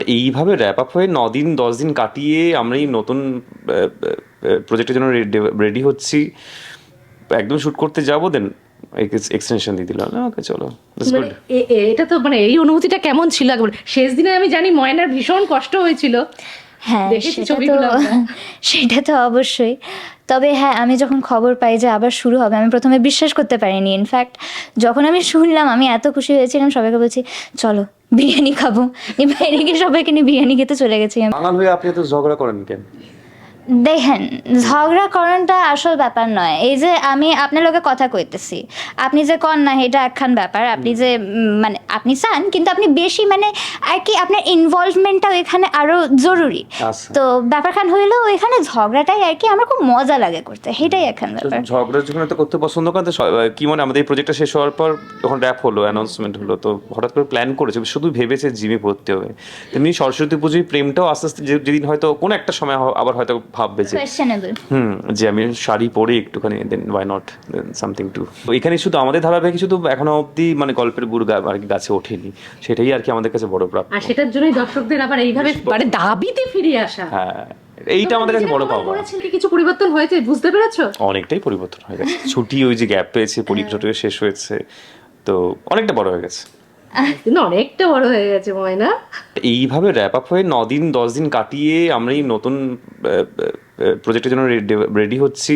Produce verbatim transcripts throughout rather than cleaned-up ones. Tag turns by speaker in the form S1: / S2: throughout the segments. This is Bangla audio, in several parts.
S1: এইভাবে র্যাপ আপ হয়ে নদিন দশ দিন কাটিয়ে আমরা এই নতুন প্রজেক্টের জন্য রেডি হচ্ছি, একদম শ্যুট করতে যাবো, দেন এক্সটেনশন দিয়ে দিল না, ওকে চলো।
S2: মানে এ- এ- এটা তো মানে এই অনুভূতিটা কেমন ছিল একবার শেষ দিনে? আমি জানি ময়নার ভীষণ কষ্ট হয়েছিল।
S3: হ্যাঁ,
S2: দেখেছি
S3: সেটা তো
S2: ছবিগুলো আমরা।
S3: সেটা তো অবশ্যই। তবে হ্যাঁ, আমি যখন খবর পাই যে আবার শুরু হবে, আমি প্রথমে বিশ্বাস করতে পারিনি। ইনফ্যাক্ট যখন আমি শুনলাম, আমি এত খুশি হয়েছিলাম, সবাইকে বলছি চলো বিরিয়ানি খাবো, এই বাইরে গিয়ে সবাইকে নিয়ে বিরিয়ানি খেতে চলে গেছি আমি।
S1: বাঙাল হয়ে আপনি এত ঝগড়া করেন কেন?
S3: দেখেন, ঝগড়া করাটা আসল ব্যাপার নয়। এই যে আমি আপনার লোকে কথা কইতেছি, আপনি যে কন না এটা একখান ব্যাপার, আপনি যে উম, মানে আপনি চান, কিন্তু আপনি বেশি মানে আর কি আপনার ইনভলভমেন্টটাও এখানে আরো জরুরি।
S1: আচ্ছা।
S3: তো ব্যাপারখান হইলো এখানে ঝগড়াটাই আর কি আমার খুব মজা লাগে করতে, সেটাই একখান
S1: তো
S3: ব্যাপার।
S1: ঝগড়া যখন এত করতে পছন্দ করেন, তো স- কি মনে আমাদের এই প্রজেক্টটা শেষ হওয়ার পর যখন র্যাপ হলো, অ্যানাউন্সমেন্ট হলো, তো হঠাৎ করে প্ল্যান করেছে, শুধু ভেবেছে জিমে ভর্তি হবে। তেমনি সরস্বতী পুজোয় প্রেমটাও আস্তে আস্তে যে- যেদিন হয়তো কোনো একটা সময় হ- আবার হয়তো ভাববে যে
S3: কোয়েশ্চেনেবল।
S1: হুম যে আমি শাড়ি পরে একটুখানি, then why not something to. এখানে শুধু আমাদের ধারাবাহিক শুধু এখনো অবধি মানে গল্পের গুড় গা- আর কি গাছে ওঠেনি, সেটাই আর কি আমাদের কাছে বড় প্রাপ্য।
S2: আর সেটার জন্যই দর্শকদের আবার এইভাবে মানে দাবিতে ফিরে আসা।
S1: হ্যাঁ, এইটা আমাদের কাছে বড় পাওয়া।
S2: করেছেন কি কিছু পরিবর্তন হয়েছে বুঝতে পেরেছো?
S1: অনেকটাই পরিবর্তন হয়ে গেছে, ছুটি ওই যে গ্যাপ পেয়েছে, পরীক্ষাটা শেষ হয়েছে, তো অনেকটা বড় হয়ে গেছে।
S2: কিন্তু অনেকটা বড় হয়ে গেছে ময়না।
S1: এইভাবে র্যাপ আপ হয়ে নদিন দশ দিন কাটিয়ে আমরা এই নতুন প্রজেক্টের জন্য রেডি হচ্ছি,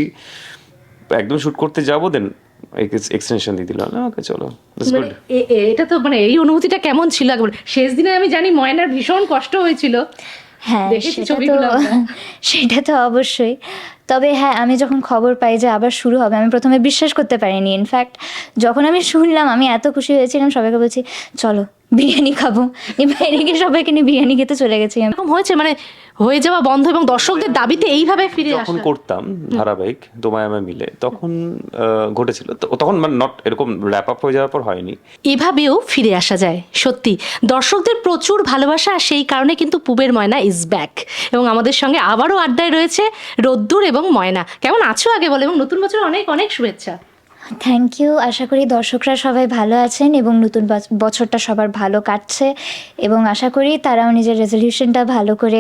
S1: একদম শ্যুট করতে যাবো, দেন এক্সটেনশন দিয়ে দিল না, ওকে চলো।
S2: মানে এ- এ- এটা তো মানে এই অনুভূতিটা কেমন ছিল একবার শেষ দিনে? আমি জানি ময়নার ভীষণ কষ্ট হয়েছিল।
S3: হ্যাঁ,
S2: দেখেছি
S3: সেটা তো
S2: ছবিগুলো আমরা।
S3: সেটা তো অবশ্যই। তবে হ্যাঁ, আমি যখন খবর পাই যে আবার শুরু হবে, আমি প্রথমে বিশ্বাস করতে পারিনি। ইনফ্যাক্ট যখন আমি শুনলাম, আমি এত খুশি হয়েছিলাম, সবাইকে বলছি চলো বিরিয়ানি খাবো, এই বাইরে গিয়ে সবাইকে নিয়ে বিরিয়ানি খেতে চলে গেছি আমি।
S2: এরকম হয়েছে মানে হয়ে যাওয়া বন্ধ এবং দর্শকদের দাবিতে এইভাবে ফিরে
S1: যখন
S2: আসা।
S1: করতাম ধারাবাহিক তোমায় আমায় মিলে, তখন আহ, ঘটেছিল, তো তখন মানে নট এরকম র্যাপ আপ হয়ে যাওয়ার পর হয়নি।
S2: এভাবেও ফিরে আসা যায় সত্যি। দর্শকদের প্রচুর ভালোবাসা, আর সেই কারণে কিন্তু পুবের ময়না ইজ ব্যাক। এবং আমাদের সঙ্গে আবারও আড্ডায় রয়েছে রোদ্দুর এবং ময়না। কেমন আছো আগে বলো, এবং নতুন বছর অনেক অনেক শুভেচ্ছা।
S3: Thank you. আশা করি দর্শকরা সবাই ভালো আছেন এবং নতুন বছ- বছরটা সবার ভালো কাটছে, এবং আশা করি তারাও নিজের রেজলিউশনটা ভালো করে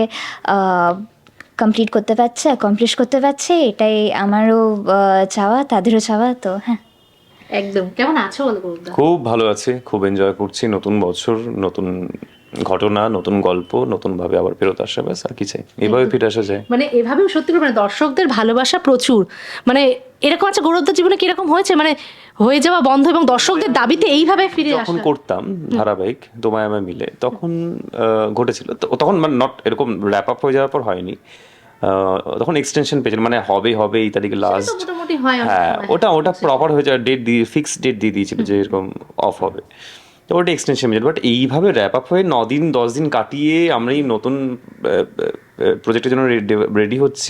S3: কমপ্লিট করতে পারছে, অ্যাকমপ্লিশ করতে পারছে। এটাই আমারও আহ, চাওয়া, তাদেরও চাওয়া। তো হ্যাঁ,
S2: একদম। কেমন আছো বলো গৌরবদা?
S1: খুব ভালো আছে, খুব এনজয় করছি। নতুন বছর, নতুন ঘটনা, নতুন গল্প, নতুন ভাবে আবার ফেরত আসা, ব্যাস আর কি চাই, এভাবে ফিরে আসা যায়।
S2: মানে এভাবেও সত্যি করে মানে দর্শকদের ভালোবাসা প্রচুর। মানে এরকম আছে গৌরবদার জীবনে কিরকম হয়েছে মানে হয়ে যাওয়া বন্ধ এবং দর্শকদের দাবিতে এইভাবে ফিরে
S1: যখন
S2: আসা?
S1: করতাম ধারাবাহিক তোমায় আমায় মিলে, তখন আহ, ঘটেছিল, তো তখন মানে নট এরকম র্যাপ আপ হয়ে যাওয়ার পর হয়নি। আহ, তখন এক্সটেনশন পেয়েছিল, মানে হবে হবে এই তারিখে
S2: সেটা তো
S1: লাস্ট।
S2: মোটামুটি হয় অনেক
S1: হ্যাঁ,
S2: সময়।
S1: ওটা ওটা প্রপার হয়ে যায়, ডেট দিয়ে ফিক্স ডেট দিয়ে দিয়েছিল যে এরকম অফ হবে, তো ওটা এক্সটেনশন পেয়েছিল। বাট এইভাবে র্যাপ আপ হয়ে নদিন দশ দিন কাটিয়ে আমরা এই নতুন প্রজেক্টের জন্য রেডি হচ্ছি,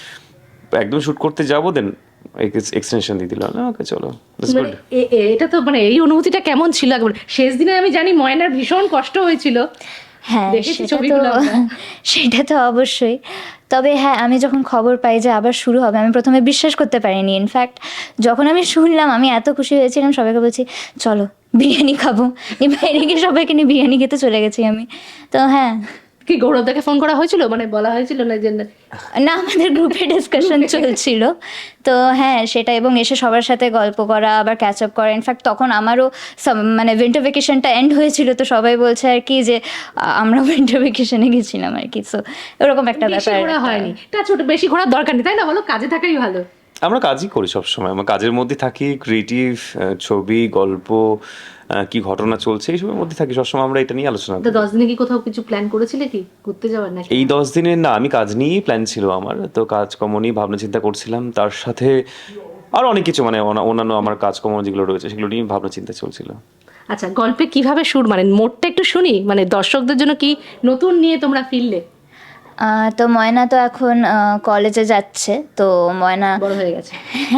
S1: একদম শ্যুট করতে যাবো, দেন এক্সটেনশন দিয়ে দিল না, ওকে চলো।
S2: মানে এ- এ- এটা তো মানে এই অনুভূতিটা কেমন ছিল একবার শেষ দিনে? আমি জানি ময়নার ভীষণ কষ্ট হয়েছিল।
S3: হ্যাঁ,
S2: দেখেছি
S3: সেটা তো
S2: ছবিগুলো আমরা।
S3: সেটা তো অবশ্যই। তবে হ্যাঁ, আমি যখন খবর পাই যে আবার শুরু হবে, আমি প্রথমে বিশ্বাস করতে পারিনি। ইনফ্যাক্ট যখন আমি শুনলাম, আমি এত খুশি হয়েছিলাম, সবাইকে বলছি চলো বিরিয়ানি খাবো, এই বাইরে গিয়ে সবাইকে নিয়ে বিরিয়ানি খেতে চলে গেছি আমি। তো হ্যাঁ,
S2: কি গৌরবদাকে ফোন করা হয়েছিল, মানে বলা হয়েছিল না যে না?
S3: না, আমাদের গ্রুপে ডিসকাশন চলছিল। তো হ্যাঁ সেটা, এবং এসে সবার সাথে গল্প করা, আবার ক্যাচ আপ করা। ইনফ্যাক্ট তখন আমারও some- মানে উইন্টার ভেকেশনটা এন্ড হয়েছিল, তো সবাই বলছে আর কি যে আ, আমরা উইন্টার ভেকেশনে গেছিলাম আর কি। সো এরকম একটা
S2: বেশি
S3: ব্যাপার।
S2: ঘোরা হয়নি, তা ছোট বেশি ঘোরার দরকার নেই, তাই না বলো? কাজে থাকাই ভালো।
S1: আমরা কাজই করি সবসময়, আমরা কাজের মধ্যে থাকি, ক্রিয়েটিভ ছবি, গল্প, আহ, কি ঘটনা চলছে এইসবের মধ্যে থাকি সবসময়, আমরা এটা নিয়ে আলোচনা
S2: তো
S1: করি।
S2: দশ দিনে কি কোথাও কিছু প্ল্যান করেছিলে কি ঘুরতে যাওয়ার নাকি?
S1: এই দশ দিনের না, আমি কাজ নিয়েই প্ল্যান ছিল আমার, তো কাজকর্ম নিয়ে ভাবনা চিন্তা করছিলাম, তার সাথে আরও অনেক কিছু মানে অনা- অন্যান্য আমার কাজকর্ম যেগুলো রয়েছে সেগুলো নিয়ে ভাবনা চিন্তা চলছিল।
S2: আচ্ছা, গল্পে কিভাবে সুর, মানে মোটটা একটু শুনি, মানে দর্শকদের জন্য কি নতুন নিয়ে তোমরা ফিরলে?
S3: আহ, তো ময়না তো এখন কলেজে যাচ্ছে। তো ময়না
S2: বড় হয়ে গেছে।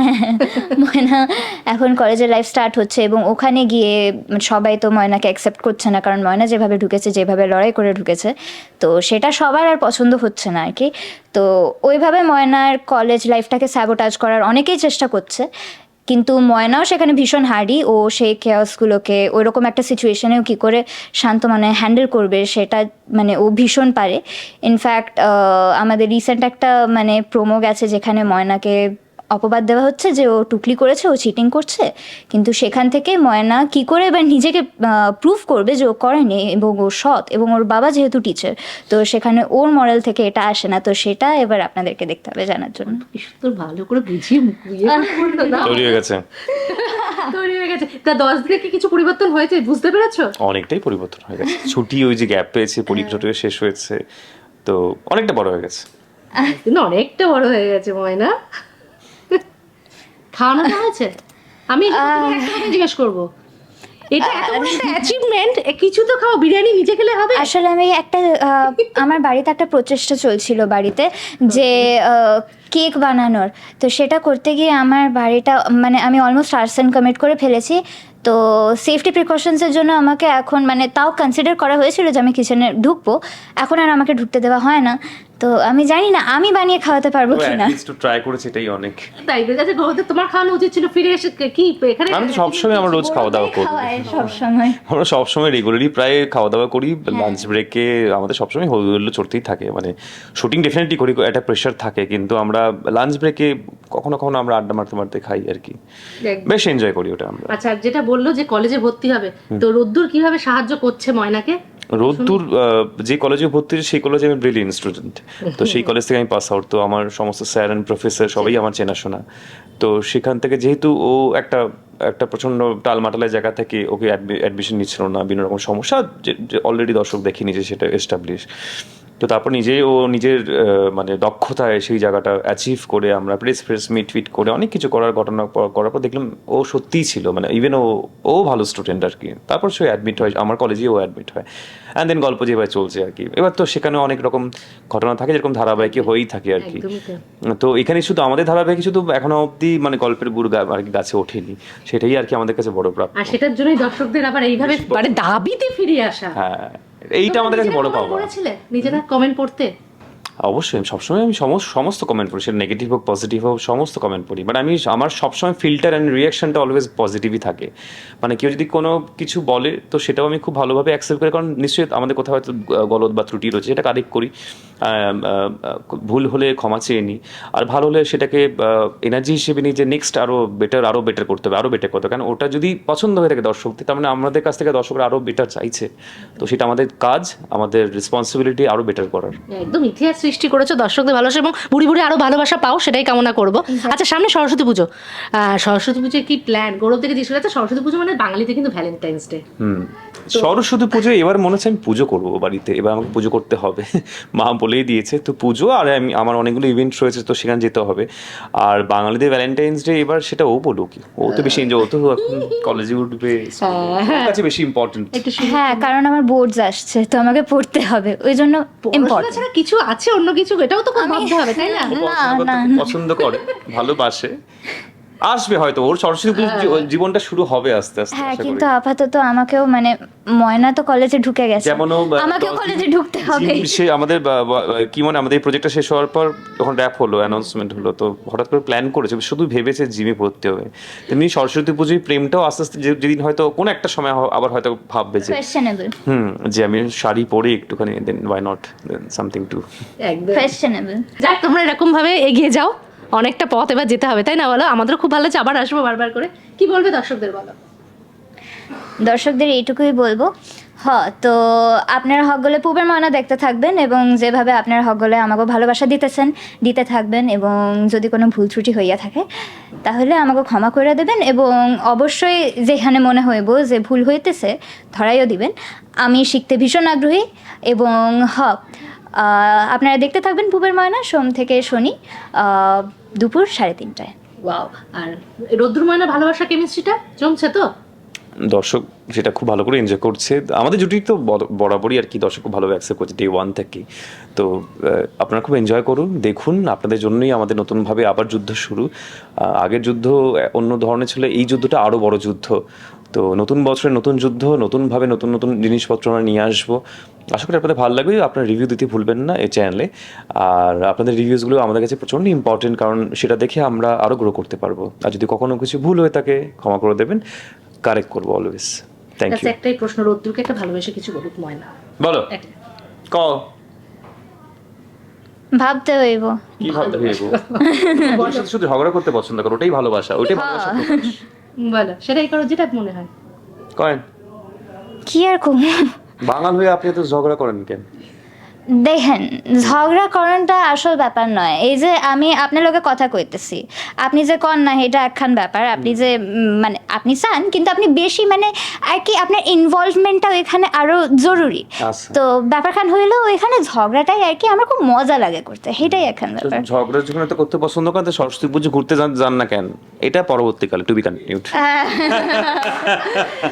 S3: ময়না এখন কলেজের লাইফ স্টার্ট হচ্ছে, এবং ওখানে গিয়ে সবাই তো ময়নাকে অ্যাকসেপ্ট করছে না, কারণ ময়না যেভাবে ঢুকেছে, যেভাবে লড়াই করে ঢুকেছে, তো সেটা সবার আর পছন্দ হচ্ছে না আর কি। তো ওইভাবে ময়নার কলেজ লাইফটাকে স্যাবোটাজ করার অনেকেই চেষ্টা করছে, কিন্তু ময়নাও সেখানে ভীষণ হার্ডি, ও সেই কেয়াসগুলোকে ওইরকম একটা সিচুয়েশনেও কী করে শান্ত মানে হ্যান্ডেল করবে সেটা মানে ও ভীষণ পারে। ইনফ্যাক্ট আমাদের রিসেন্ট একটা মানে প্রোমো গেছে যেখানে ময়নাকে অপবাদ দেওয়া হচ্ছে যে ও টুকলি করেছে, ও চিটিং করছে, কিন্তু সেখান থেকে ময়না কি করে এবার নিজেকে প্রুভ করবে যে ও করেনি এবং ও সৎ, এবং ওর বাবা যেহেতু টিচার, তো সেখানে ওর মরাল থেকে এটা আসে না। তো সেটা এবার আপনাদেরকে দেখতে হবে জানার জন্য।
S2: তোর ভালো করে বুঝিয়ে মুখিয়ে বলতো না।
S1: তৈরি হয়ে গেছে,
S2: তৈরি হয়ে গেছে। তা দশ দিনে কি কিছু পরিবর্তন হয়েছে বুঝতে পেরেছো?
S1: অনেকটাই পরিবর্তন হয়ে গেছে। ছুটি ওই যে গ্যাপ পেয়েছে, পরীক্ষা টরীক্ষা শেষ হয়েছে, তো অনেকটা বড় হয়ে গেছে।
S2: কিন্তু অনেকটা বড় হয়ে গেছে ময়না। খাওয়ানো হয়েছে? আমি একটা কথা জিজ্ঞেস করবো, এটা এত বড় একটা অ্যাচিভমেন্ট, কিছু তো খাও, বিরিয়ানি নিজে খেলে হবে?
S3: আসলে আমি একটা আহ, আমার বাড়িতে একটা প্রচেষ্টা চলছিল বাড়িতে যে কেক বানানোর, তো সেটা করতে গিয়ে আমার বাড়িটা মানে আমি অলমোস্ট আর্সেন কমিট করে ফেলেছি। তো সেফটি প্রিকশনসের জন্য আমাকে এখন মানে তাও কনসিডার করা হয়েছিল যে আমি কিচেনে ঢুকবো, এখন আর আমাকে ঢুকতে দেওয়া হয় না। তো আমি জানি না আমি বানিয়ে খাওয়াতে পারবো কি না।
S1: একটু ট্রাই করেছি, এটাই অনেক।
S2: তাই তো যাচ্ছে গৌরব, তোমার খাওয়ানো উচিত ছিল। ফিরে এসে কি এখানে
S1: আমি তো সবসময় আমরা রোজ খাওয়া দাওয়া করি,
S3: সব সময়
S1: আমরা সবসময় রেগুলারই প্রায় খাওয়া দাওয়া করি। লাঞ্চ ব্রেকে আমাদের সবসময় হই হুল্লোড় চলতেই থাকে, মানে শুটিং ডেফিনেটলি করি, একটা প্রেশার থাকে, কিন্তু আমরা লাঞ্চ ব্রেকে কখনো কখনো আমরা আড্ডা মারতে মারতে খাই আর কি, বেশ এনজয় করি ওটা আমরা।
S2: আচ্ছা, যেটা বললো যে কলেজে ভর্তি হবে, তো রোদ্দুর কিভাবে সাহায্য করছে ময়নাকে?
S1: রোদ্দুর যে কলেজে ভর্তি হয়েছে সেই কলেজে আমি ব্রিলিয়েন্ট স্টুডেন্ট, তো সেই কলেজ থেকে আমি পাস আউট, তো আমার সমস্ত স্যার অ্যান্ড প্রফেসর সবাই আমার চেনাশোনা। তো সেখান থেকে যেহেতু ও একটা একটা প্রচণ্ড টালমাটালের জায়গা থেকে ওকে অ্যাডমিশন নিচ্ছিল না, বিভিন্ন রকম সমস্যা যে অলরেডি দর্শক দেখে নিজে সেটা এস্টাবলিশ, তো তারপর নিজে ও নিজের মানে দক্ষতায় সেই জায়গাটা অ্যাচিভ করে আমরা প্রেস ফ্রেস মিট ফিট করে অনেক কিছু করার ঘটনা করার পর দেখলাম ও সত্যিই ছিল, মানে ইভেন ও ও ভালো স্টুডেন্ট আর কি। তারপর সে অ্যাডমিট হয় আমার কলেজেই, ও অ্যাডমিট হয়, অ্যান্ড দেন গল্প যেভাবে চলছে আর কি। এবার তো সেখানে অনেক রকম ঘটনা থাকে, যেরকম ধারাবাহিকে হয়েই থাকে আর কি। তো এখানে শুধু আমাদের ধারাবাহিক শুধু এখনো অবধি মানে গল্পের গুড় আর কি গাছে ওঠেনি, সেটাই আর কি আমাদের কাছে বড় প্রাপ্য।
S2: আর সেটার জন্যই দর্শকদের আবার এইভাবে মানে দাবিতে ফিরে আসা।
S1: হ্যাঁ, এইটা আমাদের কাছে বড় পাওয়া।
S2: করেছিলে নিজেরা কমেন্ট পড়তে?
S1: অবশ্যই আমি সবসময় আমি সমস্ত সমস্ত কমেন্ট পড়ি, সেটা নেগেটিভ হোক পজিটিভ হোক সমস্ত কমেন্ট পড়ি, বাট আমি আমার সবসময় ফিল্টার অ্যান্ড রিয়াকশনটা অলওয়েজ পজিটিভই থাকে। মানে কেউ যদি কোনো কিছু বলে তো সেটাও আমি খুব ভালোভাবে অ্যাকসেপ্ট করি, কারণ নিশ্চয়ই আমাদের কোথাও হয়তো গলদ বা ত্রুটি রয়েছে, সেটা কারেক্ট করি, ভুল হলে ক্ষমা চেয়ে নিই, আর ভালো হলে সেটাকে এনার্জি হিসেবে নিই যে নেক্সট আরও বেটার আরও বেটার করতে হবে, আরও বেটার করতে হবে। কারণ ওটা যদি পছন্দ হয়ে থাকে দর্শকদের, তার মানে আমাদের কাছ থেকে দর্শকরা আরও বেটার চাইছে, তো সেটা আমাদের কাজ, আমাদের রেসপন্সিবিলিটি আরও বেটার করার।
S2: একদম ইতিহাস সৃষ্টি করেছো, দর্শকদের ভালোবাসা এবং বুড়ি বুড়ি আরো ভালোবাসা পাও, সেটাই কামনা করবো। আচ্ছা, সামনে সরস্বতী পুজো, সরস্বতী পুজোর কি প্ল্যান? গৌরব থেকে জিজ্ঞেস করছে, সরস্বতী পুজো মানে বাঙালিতে কিন্তু ভ্যালেন্টাইন্স ডে।
S1: হুম, সরস্বতী পুজো এবার মনে হচ্ছে আমি পুজো করবো বাড়িতে, এবার আমাকে পুজো করতে হবে, মা বলেই দিয়েছে, তো পুজো আর আমি আমার অনেকগুলো ইভেন্ট রয়েছে, তো সেখানে যেতে হবে। আর বাঙালিদের ভ্যালেন্টাইন্স ডে এবার সেটা ও বলুক, ও তো বেশি এনজয়, ও তো এখন কলেজে উঠবে, ওর কাছে বেশি ইম্পর্টেন্ট।
S3: হ্যাঁ, কারণ আমার বোর্ডস আসছে, তো আমাকে পড়তে হবে, ওই জন্য ইম্পর্টেন্ট।
S2: ছাড়া কিছু আছে অন্য কিছু, এটাও তো ভাবতে হবে, তাই না?
S1: পছন্দ করে, ভালোবাসে, আসবে হয়তো, ওর সরস্বতী পুজো জীবনটা শুরু হবে আস্তে আস্তে।
S3: হ্যাঁ, কিন্তু আপাতত আমাকেও মানে ময়না তো কলেজে ঢুকে গেছে,
S1: যেমন
S3: আমাকেও কলেজে ঢুকতে হবে।
S1: সে আমাদের কি মানে আমাদের প্রজেক্টটা শেষ হওয়ার পর যখন র্যাপ হলো, অ্যানাউন্সমেন্ট হলো, তো হঠাৎ করে প্ল্যান করেছে, শুধু ভেবেছে জিমে ভর্তি হবে। তেমনি সরস্বতী পুজোয় প্রেমটাও আস্তে আস্তে যেদিন হয়তো কোনো একটা সময় আবার হয়তো ভাববে যে
S3: কোয়েশ্চেনেবল,
S1: হুম, যে আমি শাড়ি পরে একটুখানি, then why not then something to
S2: একদম
S3: কোয়েশ্চেনেবল।
S2: যাক, তোমরা এরকম ভাবে এগিয়ে যাও, অনেকটা পথ এবার যেতে হবে, তাই না? বলো, আমাদের খুব ভালো লাগছে, আবার আসবো বারবার করে। কি বলবে দর্শকদের বলো?
S3: দর্শকদের এইটুকুই বলবো, হ তো আপনারা হকগলে পুবের ময়না দেখতে থাকবেন, এবং যেভাবে আপনারা হকগলে আমাকে ভালোবাসা দিতেছেন দিতে থাকবেন, এবং যদি কোনো ভুল ত্রুটি হইয়া থাকে তাহলে আমাকে ক্ষমা করে দেবেন, এবং অবশ্যই যেখানে মনে হইব যে ভুল হইতেছে ধরাইও দিবেন। আমি শিখতে ভীষণ আগ্রহী, এবং হ আপনারা দেখতে থাকবেন পুবের ময়না সোম থেকে শনি দুপুর সাড়ে তিনটায়।
S2: ওয়াও, আর রোদ্দুর ময়না ভালোবাসা কেমিস্ট্রিটা জমছে তো?
S1: দর্শক সেটা খুব ভালো করে এনজয় করছে, আমাদের জুটি তো বরাবরই আর কি, দর্শক খুব ভালো অ্যাকসেপ্ট করছে ডে ওয়ান থেকেই। তো আপনারা খুব এনজয় করুন, দেখুন, আপনাদের জন্যই আমাদের নতুনভাবে আবার যুদ্ধ শুরু। আগের যুদ্ধ অন্য ধরনের ছিল, এই যুদ্ধটা আরও বড় যুদ্ধ, তো নতুন বছরে নতুন যুদ্ধ, নতুনভাবে নতুন নতুন জিনিসপত্র আমরা নিয়ে আসবো। আশা করি আপনাদের ভালো লাগবে। আপনার রিভিউ দিতে ভুলবেন না এই চ্যানেলে। আর আপনাদের রিভিউসগুলো আমাদের কাছে প্রচণ্ড ইম্পর্টেন্ট, কারণ সেটা দেখে আমরা আরও গ্রো করতে পারবো। আর যদি কখনো কিছু ভুল হয়ে থাকে ক্ষমা করে দেবেন, কারেক্ট করবো অলওয়েজ। Thank you.
S2: একটাই প্রশ্ন, রোদ্দুরকে একটা ভালোবেসে কিছু বলুক ময়না।
S1: বলো ক
S3: ভাবতে হইব।
S1: কি ভাবতে হইব? তোমার সাথে শুধু ঝগড়া করতে পছন্দ করো, ওটাই ভালোবাসা, ওটাই ভালোবাসা প্রকাশ।
S2: বলো, সেটাই করো যেটা মনে হয়।
S1: করেন
S3: কি আর কম,
S1: বাঙাল হয়ে আপনি এত ঝগড়া করেন কেন?
S3: দেখেন ঝগড়া করাটা আসল ব্যাপার নয়। এই যে আমি আপনার লোকে কথা কইতেছি, আপনি যে কন না এটা একখান ব্যাপার, আপনি যে উম, মানে আপনি চান কিন্তু আপনি বেশি মানে আর কি আপনার ইনভলভমেন্টটা এখানে আরো জরুরি।
S1: আচ্ছা।
S3: তো ব্যাপারখান হইলো ওইখানে ঝগড়াটাই আর কি আমার খুব মজা লাগে করতে, সেটাই একখান
S1: তো
S3: ব্যাপার।
S1: ঝগড়া যখন এত করতে পছন্দ করেন, তো সরস্বতী পুজো ঘুরতে যান যান না কেন? এটা পরবর্তীকালে টু বি কন্টিনিউড।